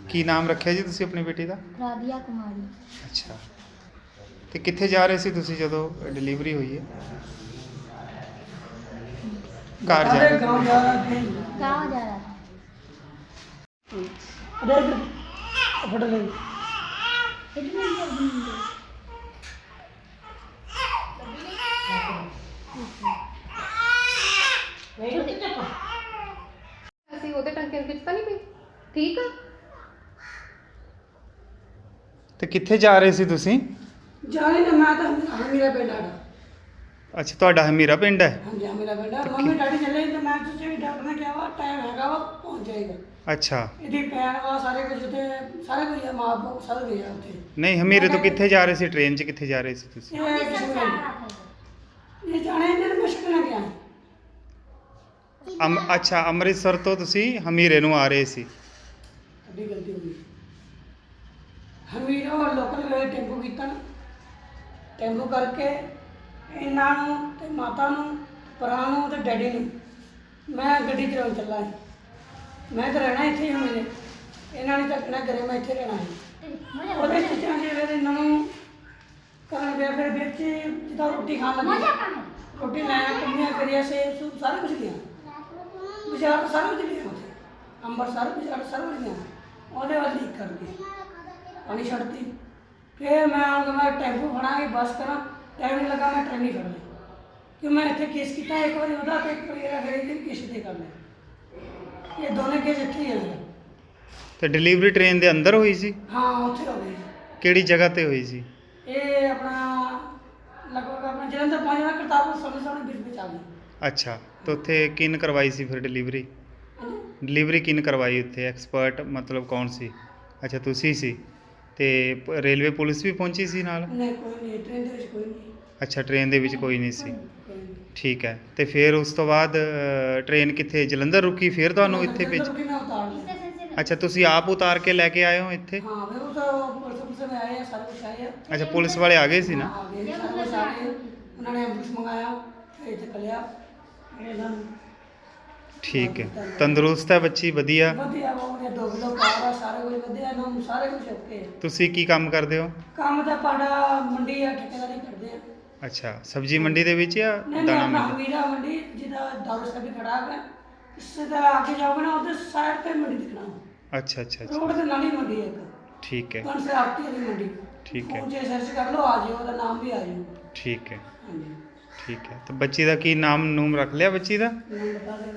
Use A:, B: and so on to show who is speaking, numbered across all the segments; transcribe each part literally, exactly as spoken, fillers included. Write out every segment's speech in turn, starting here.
A: ਕੀ ਨਾਮ ਰੱਖਿਆ ਜੀ ਤੁਸੀਂ ਆਪਣੀ ਬੇਟੀ ਦਾ?
B: ਰਾਧਿਆ ਕੁਮਾਰੀ।
A: ਅੱਛਾ, ਤੇ ਕਿੱਥੇ ਜਾ ਰਹੇ ਸੀ ਤੁਸੀਂ ਜਦੋਂ ਡਿਲੀਵਰੀ ਹੋਈ ਹੈ? ਘਰ ਜਾ ਰਹੇ
C: गाँव जा रहा थे।
B: गाँव जा रहा था।
C: अरे फट गई।
D: ਅਸੀਂ ਉਹਦੇ ਟੰਕੇ ਵਿੱਚ ਤਾਂ ਨਹੀਂ ਪਈ? ਠੀਕ ਆ।
A: ਤੇ ਕਿੱਥੇ ਜਾ ਰਹੇ ਸੀ ਤੁਸੀਂ?
C: जाने ना मैं तो मेरा बेटा था।
A: ਅੱਛਾ, ਤੁਹਾਡਾ ਹਮੀਰਾ ਪਿੰਡ ਹੈ?
C: हाँ जी मेरा बेटा मम्मी डैडी चले तो मैं सोचे भी डॉक्टर ने क्या हुआ टाइम हैगा वो पहुंच जाएगा।
A: ਅੱਛਾ,
C: ਇਹਦੀ ਭੈਣ ਵਾ ਸਾਰੇ ਕੁਝ ਤੇ ਸਾਰੇ ਕੁਝ ਆ ਮਾਂ ਬਾਪ ਸਾਰੇ ਗਏ ਆ ਉੱਥੇ।
A: ਨਹੀਂ ਹਮੀਰੇ ਤੋਂ ਕਿੱਥੇ ਜਾ ਰਹੇ ਸੀ? ਟ੍ਰੇਨ 'ਚ ਕਿੱਥੇ ਜਾ ਰਹੇ ਸੀ ਤੁਸੀਂ?
C: ਇਹ ਕਿਸੇ ਨੂੰ ਇਹ ਜਾਣੇ ਇਹਨਾਂ ਨੂੰ ਮੁਸ਼ਕਲ ਨਾ ਗਿਆ।
A: ਅਮ ਅੱਛਾ, ਅੰਮ੍ਰਿਤਸਰ ਤੋਂ ਤੁਸੀਂ ਹਮੀਰੇ ਨੂੰ ਆ ਰਹੇ ਸੀ?
C: ਅੱਡੀ ਗਲਤੀ ਹੋ ਗਈ। ਹਮੀਰੋ ਲੋਕਲ ਵੇ ਟੈਂਪੂ ਕੀਤਾ ਨਾ, ਟੈਂਪੂ ਕਰਕੇ ਇਹਨਾਂ ਨੂੰ ਤੇ ਮਾਤਾ ਨੂੰ ਭਰਾ ਨੂੰ ਤੇ ਡੈਡੀ ਨੂੰ ਮੈਂ ਗੱਡੀ ਚਲਾਉਣ ਚੱਲਾ ਸੀ। ਮੈਂ ਤਾਂ ਰਹਿਣਾ ਇੱਥੇ ਹੀ ਹਮੀਰੇ, ਇਹਨਾਂ ਨੇ ਤਾਂ ਕਹਿਣਾ ਘਰੇ ਮੈਂ ਇੱਥੇ ਰਹਿਣਾ ਸੀ। ਉਹਦੇ ਚੀਜ਼ਾਂ ਜਿਹੜੇ ਤੇ ਇਹਨਾਂ ਨੂੰ ਕਰਨ ਪਿਆ ਫਿਰ ਵਿੱਚ ਜਿੱਦਾਂ ਰੋਟੀ ਖਾਣ ਲੱਗੇ ਰੋਟੀ ਲਾਇਆ ਕੰਮੀਆਂ ਕਰਿਆ ਸੇਬ ਸੂਬ ਸਾਰਾ ਕੁਝ ਲਿਆ ਬਾਜ਼ਾਰ ਸਾਰਾ ਕੁਝ ਲਿਆ ਉੱਥੇ ਅੰਮ੍ਰਿਤਸਰ ਬਾਜ਼ਾਰ ਸਾਰਾ ਕੁਝ ਲਿਆ ਉਹਦੇ ਵੱਲ ਲੀਕ ਕਰਕੇ ਪਾਣੀ ਛੱਡਤੀ। ਫਿਰ ਮੈਂ ਉਹਨਾਂ ਮੈਂ ਟੈਂਪੂ ਫੜਾਂ ਕਿ ਬੱਸ ਕਰਾਂ ਟਾਈਮ ਨਹੀਂ ਲੱਗਾ ਮੈਂ ਟ੍ਰੇਨ ਹੀ ਫੜ ਲਈ ਕਿ ਮੈਂ ਇੱਥੇ ਕੇਸ ਕੀਤਾ ਇੱਕ ਵਾਰੀ ਉਹਦਾ ਤੇ ਇੱਕ ਵਾਰੀ ਇਹਦਾ ਫਿਰ ਕਿਸੇ ਤੇ ਕਰ ਲਿਆ। ਇਹ ਦੋਨੇ ਕੇਸ ਇੱਥੇ ਹੀ ਹੋਏ।
A: ਤੇ ਡਿਲੀਵਰੀ ਟ੍ਰੇਨ ਦੇ ਅੰਦਰ ਹੋਈ ਸੀ?
C: ਹਾਂ ਉੱਥੇ ਹੋ ਗਈ।
A: ਕਿਹੜੀ ਜਗ੍ਹਾ ਤੇ ਹੋਈ ਸੀ?
C: ਇਹ ਆਪਣਾ ਲਗਭਗ ਆਪਣਾ ਜਲੰਧਰ ਪਹੁੰਚ ਜਾਣਾ ਕਰਤਾਰਪੁਰ ਸਾਹਮਣੇ ਸਾਹਮਣੇ ਵਿੱਚ ਵਿੱਚ ਆ ਗਈ।
A: ਅੱਛਾ, ਤੇ ਉੱਥੇ ਕਿਨ ਕਰਵਾਈ ਸੀ ਫਿਰ ਡਿਲੀਵਰੀ?
C: ਹਾਂਜੀ
A: ਡਿਲੀਵਰੀ ਕਿਨ ਕਰਵਾਈ ਉੱਥੇ? ਐਕਸਪਰਟ ਮਤਲਬ ਕੌਣ ਸੀ? ਅੱਛਾ, ਤੁਸੀਂ ਸੀ। ਤੇ ਪ- ਰੇਲਵੇ ਪੁਲਿਸ ਵੀ ਪਹੁੰਚੀ ਸੀ ਨਾਲ?
C: ਨਹੀਂ ਕੋਈ ਨਹੀਂ ਟ੍ਰੇਨ ਦੇ ਵਿੱਚ ਕੋਈ ਨਹੀਂ
A: ਅੱਛਾ, ਟ੍ਰੇਨ ਦੇ ਵਿੱਚ ਕੋਈ ਨਹੀਂ ਸੀ।
C: ਕੋਈ ਨਹੀਂ।
A: ਠੀਕ ਹੈ, ਤੇ ਫਿਰ ਉਸ ਤੋਂ ਬਾਅਦ ਅ, ਟ੍ਰੇਨ ਕਿੱਥੇ ਜਲੰਧਰ ਰੁਕੀ ਫਿਰ ਤੁਹਾਨੂੰ ਇੱਥੇ
C: ਜਲੰਧਰ
A: ਭੇਜ?
C: ਰੁਕੀ, ਮੈਂ ਉਤਾਰ ਲਿਆ।
A: ਅੱਛਾ, ਤੁਸੀਂ ਆਪ ਉਤਾਰ ਕੇ ਲੈ ਕੇ ਆਏ ਹੋ ਇੱਥੇ?
C: ਹਾਂ ਫਿਰ ਉਹ ਤਾਂ ਪੁਲਿਸ ਪੁਲਿਸ में ਆਏ ਆ ਸਾਰੇ ਕੁਛ ਆਏ ਆ।
A: ਅੱਛਾ, ਪੁਲਿਸ ਵਾਲੇ ਆ ਗਏ ਸੀ ਨਾ?
C: ਹਾਂ, ਆ ਗਏ ਸਾਰੇ ਕੁਛ ਆ ਗਏ। ਉਹਨਾਂ ਨੇ ਐਂਬੂਲੈਂਸ ਮੰਗਾਇਆ ਫਿਰ ਇੱਥੇ ਕੱਲਿਆ ਇਹਨਾਂ ਨੂੰ
A: ਠੀਕ ਹੈ, ਤੰਦਰੁਸਤ ਹੈ ਬੱਚੀ? ਵਧੀਆ।
C: ਵਧੀਆ ਬਹੁਤ ਵਧੀਆ ਦੋ ਕਿਲੋ ਪਾਰ ਆ ਸਾਰੇ ਕੁਝ ਵਧੀਆ ਇਹਨਾਂ ਨੂੰ ਸਾਰੇ ਕੁਝ ਓਕੇ ਆ।
A: ਤੁਸੀਂ ਕੀ ਕੰਮ ਕਰਦੇ ਹੋ?
C: ਕੰਮ ਤਾਂ ਪਾੜਾ ਮੰਡੀ ਆ ਠੇਕੇਦਾਰੀ ਕਰਦੇ ਆ।
A: ਅੱਛਾ, ਸਬਜ਼ੀ ਮੰਡੀ ਦੇ ਵਿੱਚ ਜਾਂ
C: ਨਹੀਂ ਨਹੀਂ
A: ਦਾਣਾ
C: ਆਪਣਾ
A: ਮੰਡੀ?
C: ਹਮੀਰਾ ਮੰਡੀ ਜਿਹਦਾ ਦਾਰੂ ਸਾਹਿਬ ਵੀ ਖੜਾ ਹੈ ਇਸੇ ਦਾ ਆगे ਜਾਓਗੇ ਨਾ ਉਧਰ ਸਾਈਡ ਤੇ ਮੰਡੀ ਦਿਖਣਾ
A: ਅੱਛਾ ਅੱਛਾ ਅੱਛਾ,
C: ਰੋਡ ਤੇ ਨਾਲ ਹੀ ਮੰਡੀ ਹੈ ਇੱਕ
A: ਠੀਕ ਹੈ
C: ਕੌਣ ਸੇ ਆਤੀ ਹੈ ਮੰਡੀ।
A: ਠੀਕ ਹੈ।
C: ਉਹ ਜੇ ਸਰਚ ਕਰ ਲਓ ਆ ਜਿਓ ਉਹਦਾ ਨਾਮ ਵੀ ਆ ਜਾਊ।
A: ਠੀਕ ਹੈ
C: ਹਾਂਜੀ
A: ਠੀਕ ਹੈ। ਤੇ ਬੱਚੀ ਦਾ ਕੀ ਨਾਮ ਨੂਮ ਰੱਖ ਲਿਆ ਬੱਚੀ ਦਾ?
C: ਮੈਨੂੰ ਬਤਾ ਦੇ।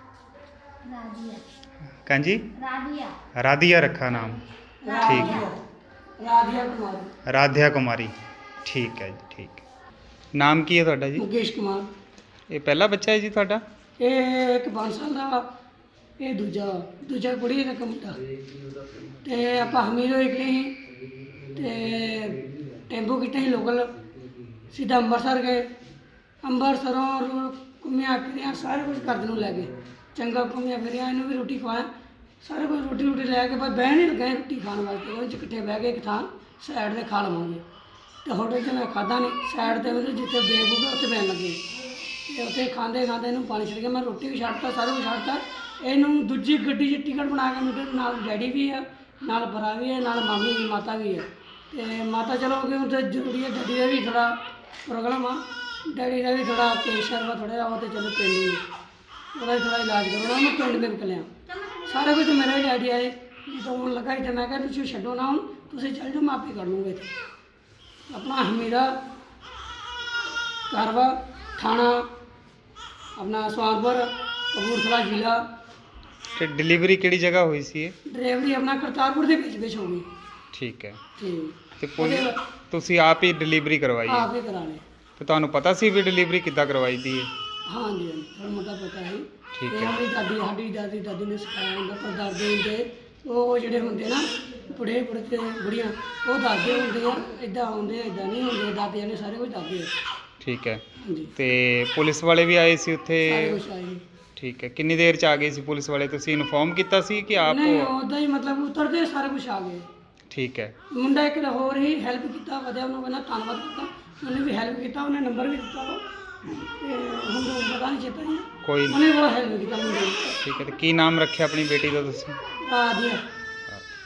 B: राधिया।
A: ਕਾਂਜੀ?
B: राधिया।
A: ਰਾਧਿਆ ਰੱਖਾ ਨਾਮ? ਠੀਕ ਹੈ।
C: ਰਾਧਿਆ ਕੁਮਾਰ
A: ਰਾਧਿਆ ਕੁਮਾਰੀ, ਠੀਕ ਹੈ ਜੀ, ਠੀਕ ਹੈ। ਨਾਮ ਕੀ ਹੈ ਤੁਹਾਡਾ ਜੀ?
C: ਮੁਕੇਸ਼ ਕੁਮਾਰ।
A: ਇਹ ਪਹਿਲਾ ਬੱਚਾ ਹੈ ਜੀ ਤੁਹਾਡਾ?
C: ਇਹ ਇੱਕ ਪੰਜ ਸਾਲ ਦਾ ਵਾ, ਇਹ ਦੂਜਾ ਦੂਜਾ ਕੁੜੀ ਦਾ ਮੁੰਡਾ। ਤੇ ਆਪਾਂ ਹਮੀਰੋ ਨਿਕਲੇ ਸੀ ਤੇ ਟੈਂਪੂ ਕੀਤਾ ਸੀ ਲੋਕਲ ਸਿੱਧਾ ਅੰਮ੍ਰਿਤਸਰ ਗਏ। ਅੰਮ੍ਰਿਤਸਰੋਂ ਰੋ- ਘੁੰਮਿਆ ਫਿਰਿਆ ਸਾਰੇ ਕੁਝ ਕਰਦੇ ਨੂੰ ਲੈ ਗਏ ਚੰਗਾ ਘੁੰਮਿਆ ਫਿਰਿਆ ਇਹਨੂੰ ਵੀ ਰੋਟੀ ਖਵਾਇਆ ਸਾਰੇ ਕੁਝ ਰੋਟੀ ਰੋਟੀ ਲੈ ਕੇ ਬਸ ਬਹਿਣ ਹੀ ਲੱਗੇ ਰੋਟੀ ਖਾਣ ਵਾਸਤੇ ਉਹ 'ਚ ਇਕੱਠੇ ਬਹਿ ਕੇ ਇੱਕ ਥਾਂ ਸਾਈਡ 'ਤੇ ਖਾ ਲਵਾਂਗੇ ਤੇ ਹੋਟਲ 'ਚ ਮੈਂ ਖਾਧਾ ਨਹੀਂ ਸਾਈਡ 'ਤੇ ਮੈਨੂੰ ਜਿੱਥੇ ਬੇਬੂਗਾ ਉੱਥੇ ਬਹਿਣ ਲੱਗੇ ਤੇ ਉੱਥੇ ਖਾਂਦੇ ਖਾਂਦੇ ਇਹਨੂੰ ਪਾਣੀ ਛੱਡ ਕੇ ਮੈਂ ਰੋਟੀ ਵੀ ਛੱਡਤਾ ਸਾਰਾ ਕੁਝ ਛੱਡਤਾ। ਇਹਨੂੰ ਦੂਜੀ ਗੱਡੀ 'ਚ ਟਿਕਟ ਬਣਾ ਕੇ ਮੇਰੇ ਨਾਲ ਡੈਡੀ ਵੀ ਆ ਨਾਲ ਭਰਾ ਵੀ ਹੈ ਨਾਲ ਮਾਮੀ ਵੀ ਮਾਤਾ ਵੀ ਹੈ ਤੇ ਮਾਤਾ ਚਲੋ ਕਿ ਉੱਥੇ ਜ਼ਰੂਰੀ ਹੈ ਡੈਡੀ ਦਾ ਵੀ ਥੋੜ੍ਹਾ ਪ੍ਰੋਬਲਮ ਆ ਡੈਡੀ ਦਾ ਵੀ ਥੋੜ੍ਹਾ ਕੇਸ਼ਰ ਵਾ ਥੋੜ੍ਹਾ ਜਿਹਾ ਉਹ ਤੇ ਚਲੋ ਪਿੰਡ ਹੀ ਉਹਦਾ ਵੀ ਥੋੜ੍ਹਾ ਇਲਾਜ ਕਰੋ ਉਹਨੂੰ ਪਿੰਡ ਦੇ ਨਿਕਲਿਆ ਸਾਰਾ ਕੁਝ ਮੇਰੇ ਡੈਡੀ ਆਏ ਜਦੋਂ ਹੁਣ ਲੱਗਾ ਇੱਥੇ ਮੈਂ ਕਿਹਾ ਤੁਸੀਂ ਛੱਡੋ ਨਾ ਹੁਣ ਤੁਸੀਂ ਚੱਲ ਜਾਓ ਮੈਂ ਆਪੇ ਕਰ ਲੂੰਗਾ ਇੱਥੇ ਆਪਣਾ ਹਮੀਰਾ ਕਾਰਵਾ ਥਾਣਾ ਆਪਣਾ ਸੁਹਾਗਪੁਰ ਕਪੂਰਥਲਾ ਜ਼ਿਲ੍ਹਾ।
A: ਤੇ ਡਿਲੀਵਰੀ ਕਿਹੜੀ ਜਗ੍ਹਾ ਹੋਈ ਸੀ ਇਹ?
C: ਡਰਾਈਵਰੀ ਆਪਣਾ ਕਰਤਾਰਪੁਰ ਦੇ ਵਿੱਚ ਵਿੱਚ ਹੋ ਗਈ।
A: ਠੀਕ ਹੈ।
C: ਠੀਕ
A: ਤੇ ਪੁਲਿਸ ਤੁਸੀਂ ਆਪ ਹੀ ਡਿਲੀਵਰੀ ਕਰਵਾਈ ਹੈ?
C: ਆਪ ਹੀ ਕਰਾ ਲਏ।
A: ਤੇ ਤੁਹਾਨੂੰ ਪਤਾ ਸੀ ਵੀ ਡਿਲੀਵਰੀ ਕਿੱਦਾਂ ਕਰਵਾਈ ਦੀ ਹੈ?
C: ਹਾਂਜੀ ਹਾਂਜੀ ਥੋੜ੍ਹਾ ਮੋਟਾ ਪਤਾ ਹੈ।
A: ਠੀਕ
C: ਤੇ
A: ਹੈ।
C: ਮੇਰੀ ਦਾਦੀ ਸਾਡੀ ਦਾਦੀ ਦਾਦੀ ਨੇ ਸਿਖਾਇਆ ਹੁੰਦਾ ਪਰ ਦਾਦੇ ਹੁੰਦੇ ਉਹ ਜਿਹੜੇ ਹੁੰਦੇ ਨਾ ਬੁੜੇ ਬੁੜੇ ਤੇ ਬੁੜੀਆਂ ਉਹ ਦਾਦੇ ਹੁੰਦੇ ਆ ਇਦਾਂ ਹੁੰਦੇ ਇਦਾਂ ਨਹੀਂ ਹੁੰਦੇ ਦਾਦਿਆਂ ਨੇ ਸਾਰੇ ਕੁਝ ਦਾਦੇ ਆ।
A: ਠੀਕ ਹੈ।
C: ਹਾਂਜੀ
A: ਤੇ ਪੁਲਿਸ ਵਾਲੇ ਵੀ ਆਏ ਸੀ
C: ਸਾਰੇ
A: ਉੱਥੇ?
C: ਕੁਝ ਆਏ।
A: ਠੀਕ ਹੈ। ਕਿੰਨੀ ਦੇਰ ਚ ਆ ਗਏ ਸੀ ਪੁਲਿਸ ਵਾਲੇ? ਤੁਸੀਂ ਇਨਫੋਰਮ ਕੀਤਾ ਸੀ ਕਿ ਆਪ?
C: ਨਹੀਂ ਉੱਦਾਂ ਹੀ ਮਤਲਬ ਉਤਰਦੇ ਸਾਰੇ ਕੁਝ ਆ ਗਏ।
A: ਠੀਕ ਹੈ।
C: ਮੁੰਡਾ ਇੱਕ ਹੋਰ ਹੀ ਹੈਲਪ ਕੀਤਾ ਵਧਿਆ ਉਹਨੂੰ ਕਹਿੰਦਾ ਧੰਨਵਾਦ ਕੀਤਾ ਉਹਨੇ ਵੀ ਹੈਲਪ ਕੀਤਾ ਉਹਨੇ ਨੰਬਰ ਵੀ ਦਿੱਤਾ ਵਾ ਤੇ ਹੁਣ ਤਾਂ ਪਤਾ ਨਹੀਂ ਚੇਤਾ ਨਹੀਂ
A: ਕੋਈ ਨਹੀਂ।
C: ਉਹਨੇ ਬਹੁਤ ਹੈਲਪ ਕੀਤਾ ਮੁੰਡੇ ਦੀ।
A: ਠੀਕ ਹੈ। ਤੇ ਕੀ ਨਾਮ ਰੱਖਿਆ ਆਪਣੀ ਬੇਟੀ ਦਾ ਤੁਸੀਂ?
C: ਰਾਧਿਆ।